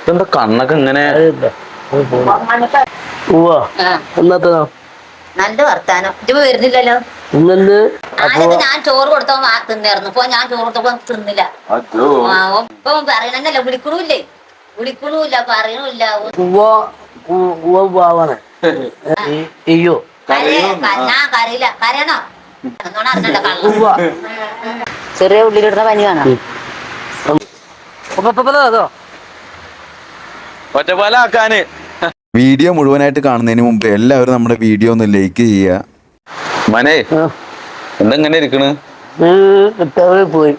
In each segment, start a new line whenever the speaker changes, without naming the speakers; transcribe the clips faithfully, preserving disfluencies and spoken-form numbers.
ഇതെന്താ കണ്ണൊക്കെ ഇങ്ങനെ?
നല്ല വർത്താനം. ഇജ്ജ് വരുന്നില്ലല്ലോ. ആദ്യമൊക്കെ ഞാൻ ചോറ് കൊടുത്തോ തിന്നായിരുന്നു. ഇപ്പൊ ഞാൻ ചോറ് കൊടുത്തപ്പോ തിന്നില്ല. ഇപ്പൊ പറയണന്നല്ല, വിളിക്കണൂല്ലേ വിളിക്കണൂല്ല പറയണില്ല. ഞാൻ കരയില്ല. കരയണോ? ചെറിയ ഉള്ളിലിടുന്ന പനി വേണം.
ഒറ്റപ്പാലാക്കാന്.
വീഡിയോ മുഴുവനായിട്ട് കാണുന്നതിന് മുമ്പ് എല്ലാവരും നമ്മുടെ വീഡിയോ ഒന്ന് ലൈക്ക് ചെയ്യുക.
മനേ എന്തെങ്ങനെ ഇരിക്കണ്?
പോയി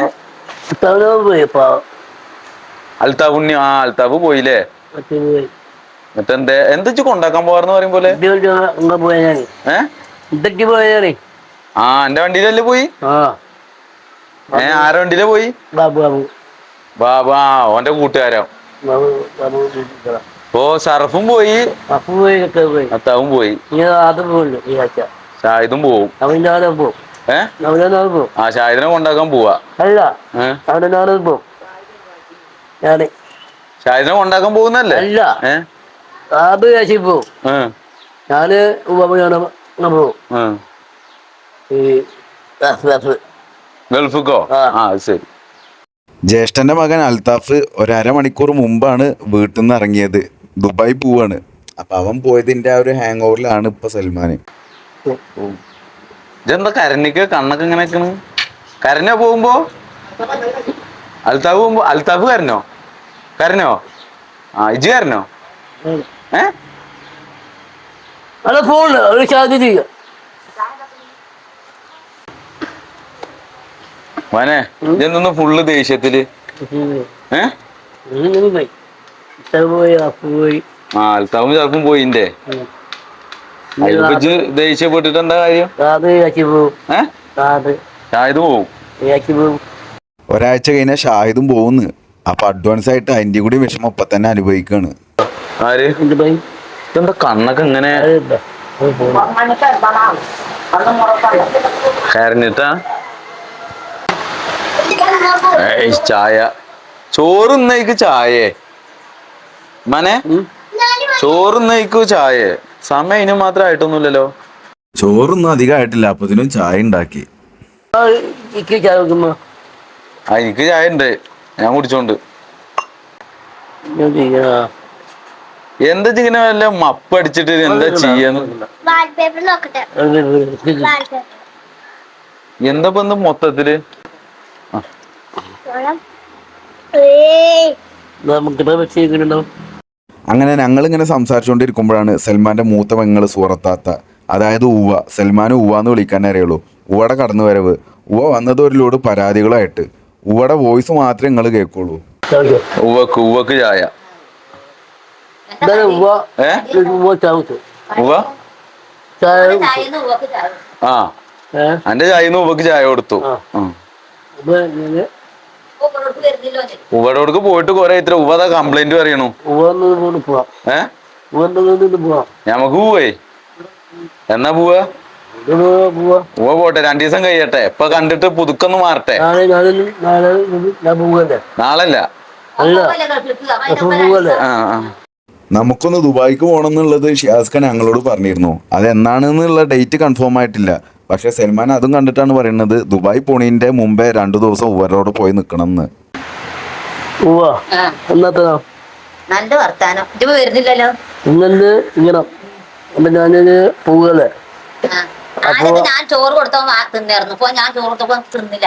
അൽത്താഫ് ഉണ്ണി. ആ അൽത്താഫ് പോയില്ലേ? മറ്റെന്തേ എന്താ കൊണ്ടാക്കാൻ പോവാന്ന് പറയും പോലെ? ആ എന്റെ വണ്ടിയിലല്ലേ പോയി? ഏ ആരെ വണ്ടിയിലെ പോയി? ബാബാ ഓന്റെ കൂട്ടുകാരോ? ഓ ഷറഫും പോയി, അത്താവും പോയി, ഷാഹിദും പോവും. ഏ ആ ഷാഹിദിനെ കൊണ്ടാക്കാൻ പോവാ. ഷാഹിദിനെ കൊണ്ടാക്കാൻ പോകുന്നല്ലേ? ഏ ഗൾഫിക്കോ? ആ ശരി.
ജ്യേഷ്ഠന്റെ മകൻ അൽത്താഫ് ഒരമണിക്കൂർ മുമ്പാണ് വീട്ടിൽ നിന്ന് ഇറങ്ങിയത്. ദുബായ് പോവാണ്. അപ്പൊ അവൻ പോയതിന്റെ ആ ഒരു ഹാങ് ഓവറിലാണ് ഇപ്പൊ സൽമാന്.
ഇതെന്താ കരഞ്ഞിക്ക് കണ്ണൊക്കെ ഇങ്ങനെ കരഞ്ഞോ പോകുമ്പോ? അൽത്താഫ് പോകുമ്പോ അൽത്താഫ് കരഞ്ഞോ? കരഞ്ഞോ? ആ ഇജ് കരഞ്ഞോ? ഏ മോനെ ഇതെന്തൊന്ന് ഫുള്ള് ദേഷ്യത്തില്? ഏ ആ അൽത്താഫും ചെറുപ്പം പോയിന്റെ. ഇജ്ജ് ദേഷ്യപ്പെട്ടിട്ട് എന്താ കാര്യം? ഷാഹിദ് പോവും.
ഒരാഴ്ച കഴിഞ്ഞാൽ ഷാഹിദും പോകുന്നു. അപ്പൊ അഡ്വാൻസ് ആയിട്ട് അതിന്റെ കൂടി വിഷമം ഇപ്പൊ തന്നെ അനുഭവിക്കാണ്.
ആര്? ഇതെന്താ കണ്ണൊക്കെ ഇങ്ങനെ കരഞ്ഞിട്ടാ? ചായ ചോറുന്നേക്ക് ചായേ മനെ? ചോറുന്നേക്കു ചായേ? സമയം ഇതിന് മാത്രം ആയിട്ടൊന്നുമില്ലല്ലോ.
ചോറൊന്നും അധികമായിട്ടില്ല. അപ്പത്തിനും ചായ ഉണ്ടാക്കി.
ആ എനിക്ക് ചായ ഉണ്ട്, ഞാൻ കുടിച്ചോണ്ട്. എന്താ ഇങ്ങനെ വല്ല മപ്പ് അടിച്ചിട്ട് എന്താ ചെയ്യാന്ന്? എന്താ ഇപ്പൊ മൊത്തത്തില്?
അങ്ങനെ ഞങ്ങൾ ഇങ്ങനെ സംസാരിച്ചുകൊണ്ടിരിക്കുമ്പോഴാണ് സൽമാന്റെ മൂത്ത പെങ്ങള് സൂറത്താത്ത, അതായത് ഉവ്വ, സൽമാൻ ഉവ്വാന്ന് വിളിക്കാൻ അറിയുള്ളൂ, ഉവ്വയുടെ കടന്നു വരവ്. ഉവ്വ വന്നത് ഒരു ലോഡ് പരാതികളായിട്ട്. ഉവ്വയുടെ വോയിസ് മാത്രമേ നിങ്ങൾ കേൾക്കുള്ളൂ.
ഉവ്വക്ക് ഉവ്വക്ക് ചായ. ആ എന്റെ ചായന്ന് ഉവ്വക്ക് ചായ കൊടുത്തു. ഉവ്വടോടക്ക് പോയിട്ട് കൊറേ ഇത്ര ഉവ്വതാ കംപ്ലൈന്റ് പറയണു. ഏ ഞമ്മക്ക് പോവേ? എന്നാ പോവാ? ഉവ്വ പോട്ടെ, രണ്ടു ദിവസം കഴിയട്ടെ. ഇപ്പൊ കണ്ടിട്ട് പുതുക്കൊന്ന് മാറട്ടെ. നാളല്ല. ആ ആ
നമുക്കൊന്ന് ദുബായിക്ക് പോകണം എന്നുള്ളത് ഷിയാസ് ഖാൻ ഞങ്ങളോട് പറഞ്ഞിരുന്നു. അതെന്നാണെന്നുള്ള ഡേറ്റ് കൺഫേം ആയിട്ടില്ല. പക്ഷെ സൽമാൻ അതും കണ്ടിട്ടാണ് പറയുന്നത് ദുബായ് പോണീന്റെ മുമ്പേ രണ്ടു ദിവസം ഉവരോട് പോയി നിക്കണം എന്ന്.
നല്ല വർത്താനം. ഇജ്ജ് വരുന്നില്ലല്ലോ. ആദ്യമൊക്കെ ഞാൻ ചോറ് കൊടുത്തോ തിന്നായിരുന്നു. ഇപ്പൊ ഞാൻ ചോറ് കൊടുത്തപ്പോ തിന്നില്ല.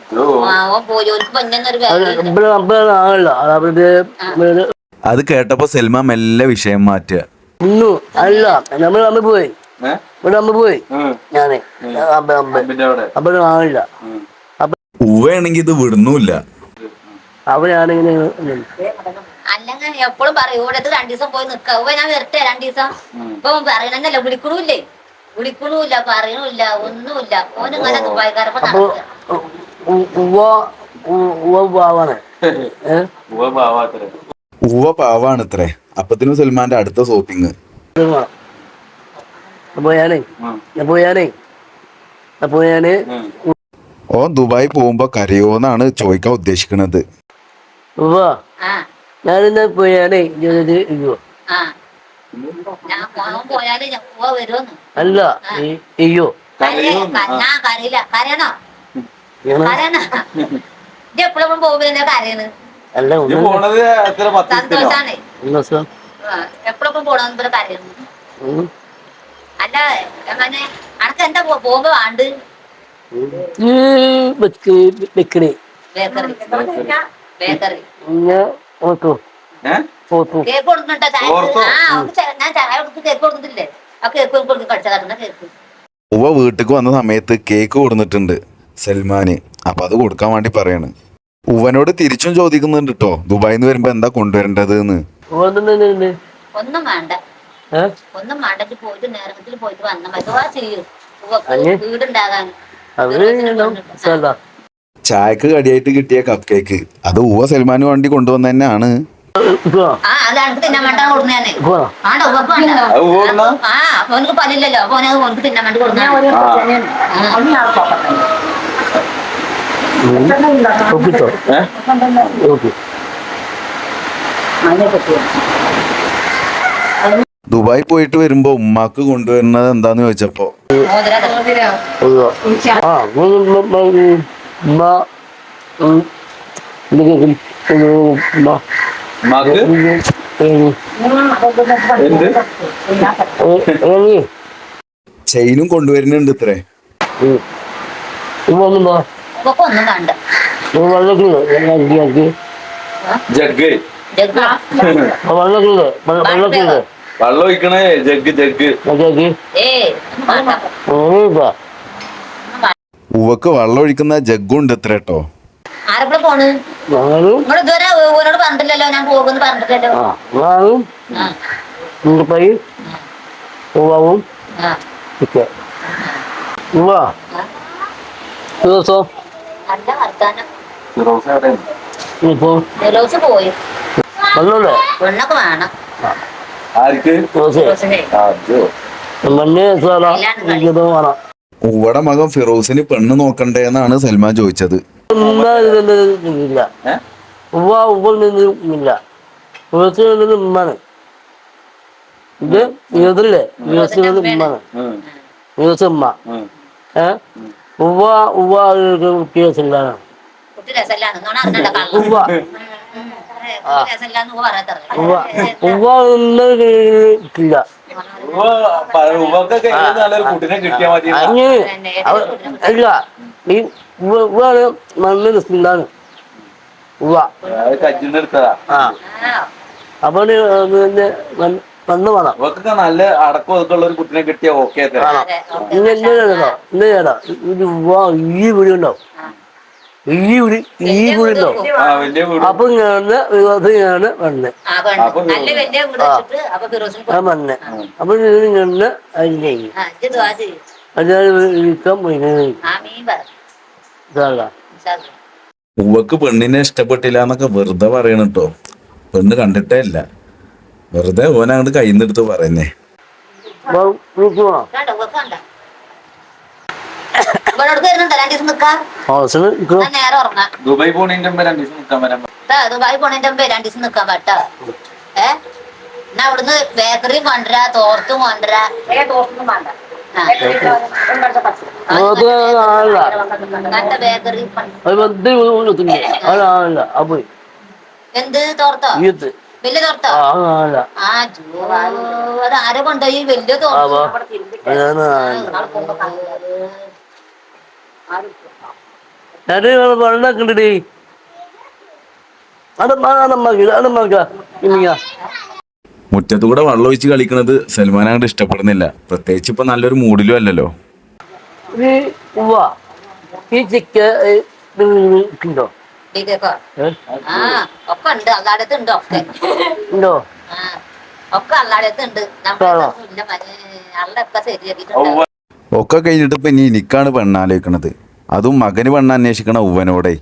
അത് കേട്ടപ്പോ സൽമാൻ മെല്ലെ വിഷയം മാറ്റുക. ഉവ്വയാണെങ്കി ഇത് വിടുന്നുമില്ല.
അല്ലെങ്കിൽ എപ്പോഴും പറയും ഇവിടെ രണ്ടു ദിവസം പോയി നിക്ക. ഞാൻ വരട്ടെ രണ്ടു ദിവസം. ഇപ്പൊ പറയണന്നല്ല, വിളിക്കണൂല്ലേ വിളിക്കണൂല്ല പറയണില്ല ഒന്നുമില്ല. ഓനിങ്ങനെ ദുബായിക്കാരപ്പോ
ഉവ്വ പാവാണത്രേ. അപ്പത്തിനും സൽമാന്റെ അടുത്ത ഷോപ്പിങ്. ഓൻ ദുബായ് പോകുമ്പോ കരയോന്നാണ് ചോദിക്കാൻ ഉദ്ദേശിക്കുന്നത്.
ഞാനിന്ന് പോയാലേ ഇത് അയ്യോ
ആ ഞാൻ പോകാൻ പോയാല് ഞാൻ പോവാ വരുമെന്ന്.
അല്ല അയ്യോ
ഞാൻ കരയില്ല. കരയണോ? കരയണ ഇത് എപ്പോഴും പോകുമ്പോ കരയണ്.
അല്ല
സന്തോഷാണ്. എപ്പോഴൊക്കെ പോണെന്ന് ഇവിടെ കരയുന്നു. അല്ല അങ്ങനെ അനക്ക് എന്താ പോകുമ്പോ വേണ്ട
ബേക്കറി
ബേക്കറി ബേക്കറി കേക്ക് കൊടുക്കുന്നുണ്ടോ? ചായ ആ ഞാൻ ചായ കൊടുത്ത് കേക്ക് കൊടുത്തിട്ടില്ലേ? ആ കേക്ക് കൊടുത്ത് കടിച്ചാ കേക്ക്.
ഉവ വീട്ടിക്ക് വന്ന സമയത്ത് കേക്ക് കൊടുത്തിട്ടുണ്ട് സൽമാന്. അപ്പൊ അത് കൊടുക്കാൻ വേണ്ടി പറയാണ്. ഉവനോട് തിരിച്ചും ചോദിക്കുന്നുണ്ട് കേട്ടോ, ദുബായിന്ന് വരുമ്പോ എന്താ കൊണ്ടുവരേണ്ടത് എന്ന്.
ഒന്നും വേണ്ട ഒന്നും വേണ്ട പോയിട്ട് നേരത്തിൽ പോയിട്ട് വന്ന മതി ചെയ്യും വീടുണ്ടാകാൻ.
ചായക്ക് കടിയായിട്ട് കിട്ടിയ കപ്പ് കേക്ക് അത് ഉവ സൽമാന് വേണ്ടി കൊണ്ടുവന്ന തന്നെയാണ്.
ആ അത് എനിക്ക് തിന്നാൻ വേണ്ട കൊടുക്കുന്നേ. ആണ്ടോ ഉവക്ക് ആ ഓനക്ക് പല്ലില്ലല്ലോ. അപ്പൊ ഓനത് ഓനക്ക് തിന്നാൻ വേണ്ടി കൊടുക്കുന്ന.
ദുബായ് പോയിട്ട് വരുമ്പോ ഉമ്മാക്ക് കൊണ്ടുവരുന്നത് എന്താന്ന് ചോദിച്ചപ്പോ ചെയിനും കൊണ്ടുവരുന്നുണ്ട് ഇത്രേ.
ഒന്നും വേണ്ട
വെള്ളം ഒഴിക്കണേ ജഗ് ജഗ്.
ഉവക്ക് വെള്ളം ഒഴിക്കുന്ന ജഗ്ഗുണ്ട് ഇത്ര കേട്ടോ.
ആരെവിടെ പോണ്? നിങ്ങൾ ഇതുവരെ ഓനോട് പറഞ്ഞിട്ടില്ലല്ലോ ഞാൻ പോകുന്നു പറഞ്ഞിട്ടില്ലല്ലോ. നല്ല വർത്താനം. ഫിറോസ് പോയി. പെണ്ണൊക്കെ വേണം.
ഉവടെ മകൻ ഫിറോസിന് പെണ്ണ് നോക്കണ്ടേ എന്നാണ് സൽമാൻ ചോദിച്ചത്.
ഉമ്മാണ് ഇത് ഇതല്ലേ ഉമ്മാണ് ഉമ്മ ഏഹ് ഉവ്വ ഉവ്വ കേസില്ലാണ്
കുട്ടി രസല്ലാന്ന് നോണ അറിഞ്ഞണ്ട കള്ളം.
ഉവ്വ
രസല്ലാന്ന് പറയാത്ത
ഉവ്വ ഉവ്വ ഒന്നും ഇല്ല.
കുട്ടിനെ കിട്ടിയാ മതി.
അല്ല ഈ ഉവ്വാണ് മണ്ണ് രസമില്ലാണ് ഉവ്വ
കജിന്നെടുത്തതാ.
അപ്പൊ മണ്ണ് വേണം.
നല്ല അടക്കം ഒതുക്കുള്ള ഒരു കുട്ടിനെ കിട്ടിയാ ഓക്കെ.
ഇന്ന് ഇന്ന് ചേട്ടോ ഇന്ന് ചേട്ടാ ഇത് ഉവ്വ ഈ വീട് ഉണ്ടാവും. ഈ വീട് ഈ വീടുണ്ടാവും. അപ്പൊ ഞാന് ഞാന് മണ്ണ് ആ മണ്ണ് അപ്പൊ ഞാന് അതിനെ അതായത് പോയി.
ഉവക്ക് പെണ്ണിനെ ഇഷ്ടപ്പെട്ടില്ല എന്നൊക്കെ വെറുതെ പറയണ കേട്ടോ. പെണ്ണ് കണ്ടിട്ടേ ഇല്ല, വെറുതെ ഓൻ അങ്ങോട്ട് കയ്യിന്നെടുത്ത് പറയുന്നേ.
ദുബായ് പോണേന്റെ മുമ്പ് രണ്ടു ദിവസം നിൽക്കാൻ വരാൻ.
ദുബായ് പോണേന്റെ മുമ്പ് രണ്ടു ദിവസം നിക്കാൻ പറ്റാ. ഏ എന്നാ അവിടുന്ന് ബേക്കറി കൊണ്ടുവരാ, തോർത്തും കൊണ്ടുവരാ. തോർത്തൊന്നും വേണ്ട ബേക്കറി. എന്ത് തോർത്തോ? വലിയ തോർത്തോ? ആ അത് ആരെ കൊണ്ടുപോയി വലിയ തോർത്തോ?
വെള്ളക്കണ്ടേ
മുറ്റത്തുകൂടെ വെള്ളം ഒഴിച്ച് കളിക്കണത് സൽമാൻ അങ്ങോട്ട് ഇഷ്ടപ്പെടുന്നില്ല. പ്രത്യേകിച്ച് ഇപ്പൊ നല്ലൊരു മൂഡിലും അല്ലല്ലോ.
ഈ ചിക്ക ഉണ്ടോ?
ആ ഒക്കെ ഉണ്ട്. അല്ലാടത്ത് ഉണ്ട്. ഒക്കെ
ഉണ്ടോ?
ഒക്കെ അല്ലാടത്ത് ഉണ്ട്. നമ്മളൊക്കെ ശരിയാക്കിട്ടുണ്ട്.
ഒക്കെ കഴിഞ്ഞിട്ട് ഇപ്പൊ ഇനി എനിക്കാണ് പെണ്ണാലോചിക്കണത്. അതും മകന് പെണ്ണ് അന്വേഷിക്കണ ഉവനോടെ.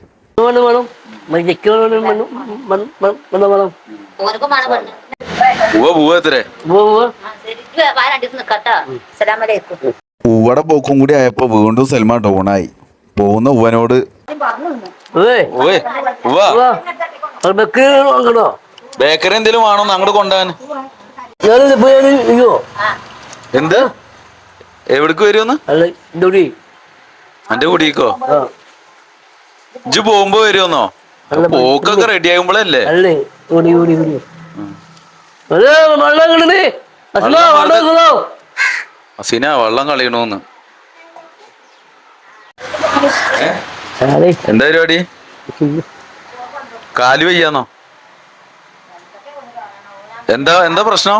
ഉവടെ പോക്കും കൂടി ആയപ്പോ വീണ്ടും സൽമാൻ ഡൗണായി. പോകുന്ന ഉവനോട്
ബേക്കറി എന്തെങ്കിലും വേണോ അങ്ങോട്ട് കൊണ്ടുപോകാൻ? എന്ത് എവിടേക്ക് വരുമെന്ന്? എന്റെ കുടിക്കോ? ഇജ്ജ് പോകുമ്പോ വരുമെന്നോ? പോക്കൊക്കെ റെഡി ആകുമ്പോഴല്ലേ? അസീന വെള്ളം കളയണോന്ന്. എന്താ പരിപാടി? കാല് വയ്യാന്നോ? എന്താ എന്താ പ്രശ്നം?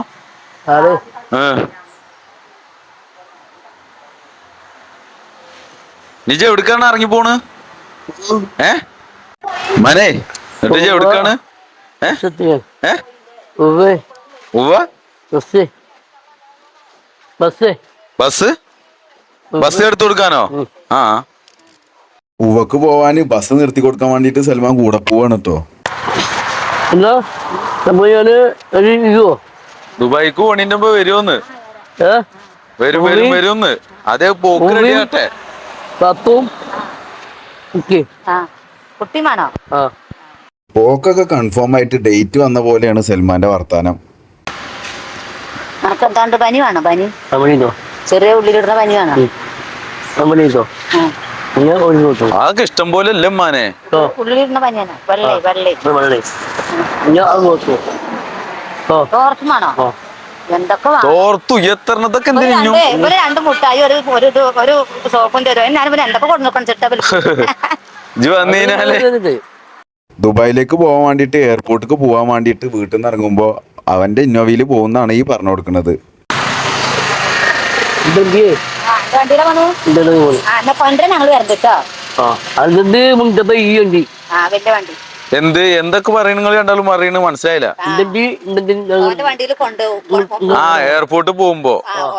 നിജ എവിടുക്കാണ് ഇറങ്ങി പോണ്? ഏ മനെ എന്നിട്ട് ഇജ്ജ് എവിടുക്കാണ്? ഏ ബസ് ബസ് എടുത്തു കൊടുക്കാനോ? ആ
ഉവക്ക് പോവാന് ബസ് നിർത്തി കൊടുക്കാൻ വേണ്ടിട്ട് സൽമാൻ കൂടെ പോവാണ് കേട്ടോ.
ദുബായിക്ക് പോണിന്റെ മുമ്പ് വരുമെന്ന്. വരും വരും വരുമെന്ന്. അതേ പോക്ക് റെഡിയാട്ടെ.
പോക്കൊക്കെ കൺഫേം ആയിട്ട് ഡേറ്റ് വന്ന പോലെയാണ് സൽമാന്റെ വർത്താനം.
എന്താണ്ട് പനി വേണോ? പനി ചെറിയ ഉള്ളിലിടുന്ന പനി വേണോ?
അതൊക്കെ ഇഷ്ടം പോലെ അല്ലേ മാനെ?
ഉള്ളിലിടുന്ന പനിയാണോ? വെള്ളേ വെള്ളേ തോർത്തുമാണോ? എന്തൊക്കെ
തോർത്തു എത്രതൊക്കെ എന്തിനു?
ഇവര് രണ്ട് മുട്ടായി ഒരു ഒരു ഒരു സോപ്പും തരും. ഞാനിവര് എന്തൊക്കെ കൊണ്ടു നോക്കണം ചിട്ട.
ദുബായിലേക്ക് പോകാൻ വേണ്ടിട്ട് എയർപോർട്ടിലേക്ക് പോകാൻ വേണ്ടിട്ട് വീട്ടിൽ നിന്ന് ഇറങ്ങുമ്പോ അവന്റെ ഇന്നോവയിൽ പോകുന്നതാണ് ഈ പറഞ്ഞു കൊടുക്കുന്നത്.
എന്ത് എന്തൊക്കെ പറയണ നിങ്ങൾ രണ്ടാളും പറയണ മനസ്സിലായില്ല. ആ എയർപോർട്ടിൽ പോകുമ്പോ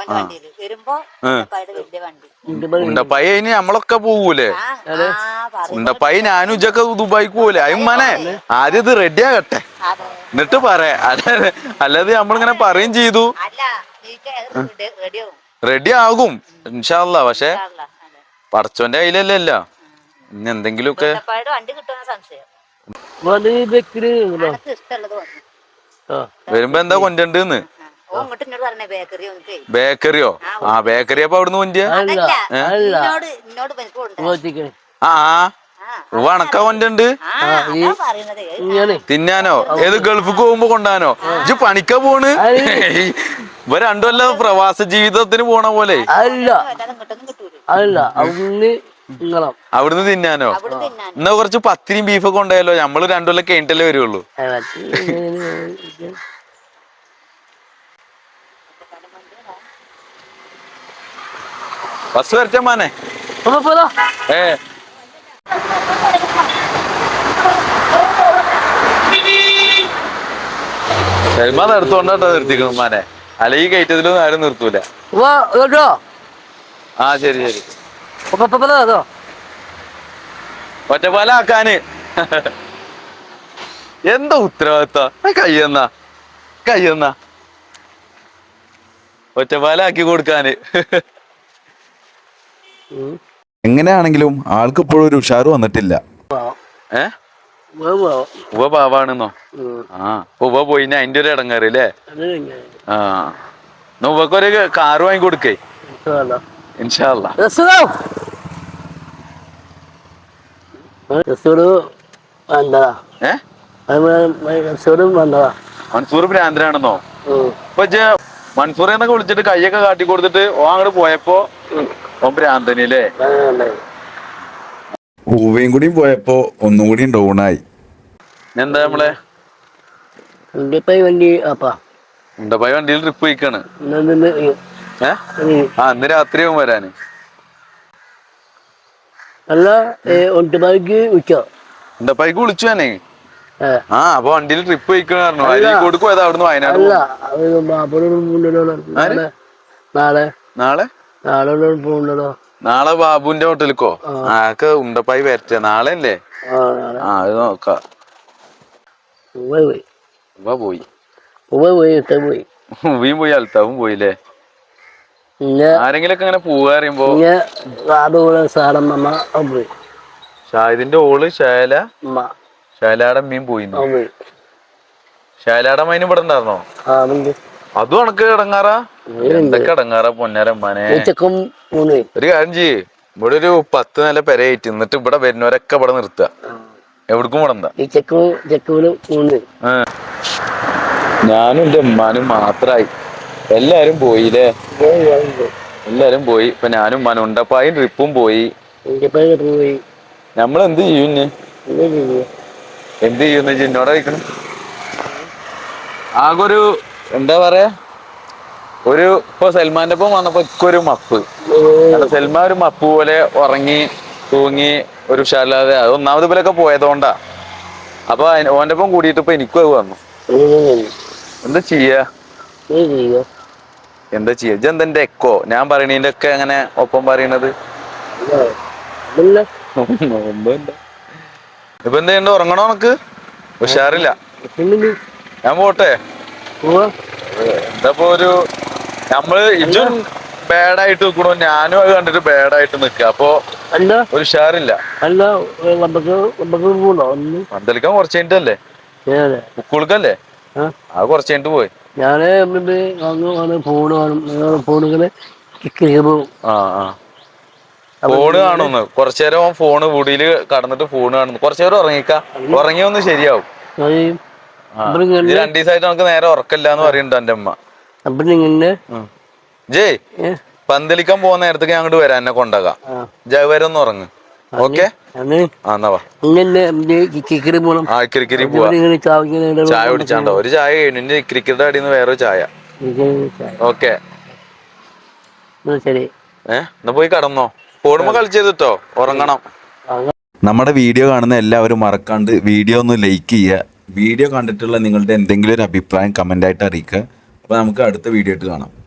ഉണ്ടപ്പായി അതിന് നമ്മളൊക്കെ പോകൂലേ? ഉണ്ടപ്പായി ഞാനും ഇജ്ജൊക്കെ ദുബായിക്ക് പോകൂലേ? അയ്യമ്മനെ ആദ്യം ഇത് റെഡി ആകട്ടെ എന്നിട്ട് പറയാ. അല്ലാതെ അല്ലാതെ നമ്മളിങ്ങനെ പറയും ചെയ്തു റെഡി ആകും ഇൻഷാ അല്ലാ. പക്ഷെ പടച്ചോന്റെ കയ്യിലല്ലല്ലോ. ഇനി എന്തെങ്കിലുമൊക്കെ വരുമ്പോ എന്താ കൊണ്ടുണ്ടെന്ന്? ബേക്കറിയോ? ആ ബേക്കറി അപ്പൊ അവിടുന്ന് കൊണ്ടിയ ആ വണക്ക കൊണ്ടുണ്ട് തിന്നാനോ? ഏത് ഗൾഫിക്ക് പോകുമ്പോ കൊണ്ടാനോ? ഇജ്ജ് പണിക്ക പോണ്? ഇവ രണ്ടുമല്ല പ്രവാസ ജീവിതത്തിന് പോണ പോലെ. അവിടുന്ന് തിന്നാനോ? എന്നാ കുറച്ച് പത്തിരിയും ബീഫൊക്കെ ഉണ്ടായല്ലോ. നമ്മള് രണ്ടുകൊല്ലം കഴിഞ്ഞിട്ടല്ലേ വരുള്ളൂ. ബസ് വരച്ച മാനെ. ഏ സൽമാൻ നിർത്തോണ്ടോ നിർത്തിക്കണം മാനെ. അല്ല ഈ കയറ്റത്തിലൊന്നും ആരും നിർത്തൂല. ആ ശരി ശരി. ഒറ്റപ്പാല ആക്കാന് എന്താ ഉത്തരവാദിത്ത? കയ്യെന്ന കയ്യെന്ന ഒറ്റപ്പാലാക്കി കൊടുക്കാന്.
എങ്ങനെയാണെങ്കിലും ആൾക്ക് ഇപ്പോഴും ഒരു ഉഷാറ് വന്നിട്ടില്ല.
ഏ ഉവ പാവാണെന്നോ? ആ ഉവ പോയിന് അതിന്റെ ഒരു ഇടങ്ങേറില്ലേ? ആ ഉവക്കൊരു കാറ് വാങ്ങി കൊടുക്കേ ഇൻഷാ അല്ലാ. ഏ മൻസൂർ ഭ്രാന്തനാണെന്നോ? ഇപ്പൊ മൻസൂർ എന്നൊക്കെ വിളിച്ചിട്ട് കയ്യൊക്കെ കാട്ടി കൊടുത്തിട്ട് ഓ അങ്ങോട്ട് പോയപ്പോ ഓ ഭ്രാന്തനില്ലേ?
ഉവയും കൂടിയും പോയപ്പോ ഒന്നും കൂടി ഡൗണായി.
എന്താ നമ്മളെ ഉണ്ടപ്പായി വണ്ടിയിൽ ട്രിപ്പ് പോയിക്കാണ്. ഏ ആ ഇന്ന് രാത്രിയാവും വരാന്. ഉണ്ടപ്പായിക്ക് വിളിച്ചു ഞാനേ. ആ അപ്പൊ വണ്ടിയിൽ ട്രിപ്പ് പോയിക്കാണ് പറഞ്ഞു. അരീക്കോട് പോയത് അവിടുന്ന് വയനാട്. നാളെ നാളെ ബാബുവിന്റെ ഹോട്ടലിക്കോ? ആക്ക് ഉണ്ടപ്പായി വരട്ടെ. നാളെ അല്ലേ? ആ അത് നോക്കാം. പോയി ഉവയും പോയി അൽത്താവും പോയില്ലേ? ആരെങ്കിലൊക്കെ അങ്ങനെ പോവാ അറിയുമ്പോ ഷാഹിദിന്റെ ഓള് ശൈല ശൈലയുടെ അമ്മയും പോയിന്നു. ശൈലാടെ മൈന് ഇവിടെ ഉണ്ടായിരുന്നോ?
ആ ഉണ്ട്.
അതും ഉണക്ക് ഇടങ്ങാറാ? എന്തൊക്കെ ഇടങ്ങാറാ പൊന്നാരമ്മാനെ.
ചെക്കും മൂന്ന്.
ഒരു കാര്യം ചെയ്യ്, ഇവിടെ ഒരു പത്ത് നില പെരയായിട്ട് എന്നിട്ട് ഇവിടെ വരുന്നവരൊക്കെ ഇവിടെ നിർത്തുക, എവിടേക്കും വിടണ്ട.
ഈ ചെക്കും ചെക്കും മൂന്ന്.
ഞാനും എന്റെ ഉമ്മാനും മാത്രായി. എല്ലാരും പോയില്ലേ? എല്ലാരും പോയി. ഇപ്പൊ ഞാനും ഉമ്മാനും ഉണ്ടപ്പായും ട്രിപ്പും പോയി.
പോയി.
നമ്മളെന്ത് ചെയ്യും ഇനി? എന്ത് ചെയ്യുന്ന എന്നോട് കഴിക്കണം. ആകെ ഒരു എന്താ പറയാ, ഒരു ഇപ്പൊ സൽമാന്റെ ഒപ്പം വന്നപ്പോ ഇക്കൊരു മപ്പ്. സൽമാൻ ഒരു മപ്പ് പോലെ ഉറങ്ങി തൂങ്ങി ഒരു ഉഷാറില്ലാതെ. അത് ഒന്നാമത് ഇവരൊക്കെ പോയതുകൊണ്ടാ. അപ്പൊ ഓന്റെ ഒപ്പം കൂടിയിട്ട് ഇപ്പൊ എനിക്കും അത് വന്നു. എന്താ ചെയ്യാ എന്താ ചെയ്യാ ഇജെന്തെന്റെ എക്കോ ഞാൻ പറയണീന്റെ ഒക്കെ അങ്ങനെ ഒപ്പം പറയണത്? ഇപ്പൊ എന്ത് ചെയ്യണ്ട, ഉറങ്ങണോ? നമുക്ക് ഉഷാറില്ല. ഞാൻ പോട്ടെ. എന്താ ഒരു നമ്മള് ഇജും ബാഡായിട്ട് നിക്കണോ, ഞാനും അത് കണ്ടിട്ട് ബാഡായിട്ട് നിക്ക. അപ്പൊ ഒരു ഉഷാറില്ല. പന്തളിക്കാൻ കുറച്ച് കഴിഞ്ഞിട്ടല്ലേ? ഉക്കുളുക്കല്ലേ? അത് കുറച്ച് കഴിഞ്ഞിട്ട് പോയി.
ഞാന് ഫോണ് ഫോണുകള്
ആ ആ ഫോണ് കാണുന്നു. കുറച്ചേരം ഫോണ് വീടില് കടന്നിട്ട് ഫോണ് കാണുന്നു. കുറച്ചേരം ഉറങ്ങിക്ക, ഉറങ്ങിയൊന്ന് ശരിയാവും. രണ്ടു ദിവസമായിട്ട് നമുക്ക് നേരെ ഉറക്കല്ലാന്ന് പറയുന്നുണ്ട് എന്റെ അമ്മ. ജയ് പന്തലിക്കാൻ പോകുന്ന നേരത്തേക്ക് ഞാൻ അങ്ങോട്ട് വരാം, എന്നെ കൊണ്ടാകാം. ജയ് വരെ ഒന്ന് ഉറങ്ങ്. ഓക്കെ ആ ഇക്രിക്കരി പോവാ. ചായ കുടിച്ചാണ്ടോ? ഒരു ചായ കഴിഞ്ഞു, ഇനി ഇക്രിക്കരുടെ അടിയിൽ നിന്ന് വേറൊരു ചായ. ഓക്കെ
ശരി.
ഏഹ് എന്നാ പോയി കടന്നോ. ഫോണുമ്പോ കളിച്ചേട്ടോ, ഉറങ്ങണം.
നമ്മുടെ വീഡിയോ കാണുന്ന എല്ലാവരും മറക്കാണ്ട് വീഡിയോ ഒന്ന് ലൈക്ക് ചെയ്യുക. വീഡിയോ കണ്ടിട്ടുള്ള നിങ്ങളുടെ എന്തെങ്കിലും ഒരു അഭിപ്രായം കമൻ്റായിട്ട് അറിയിക്കുക. അപ്പോൾ നമുക്ക് അടുത്ത വീഡിയോ ആയിട്ട് കാണാം.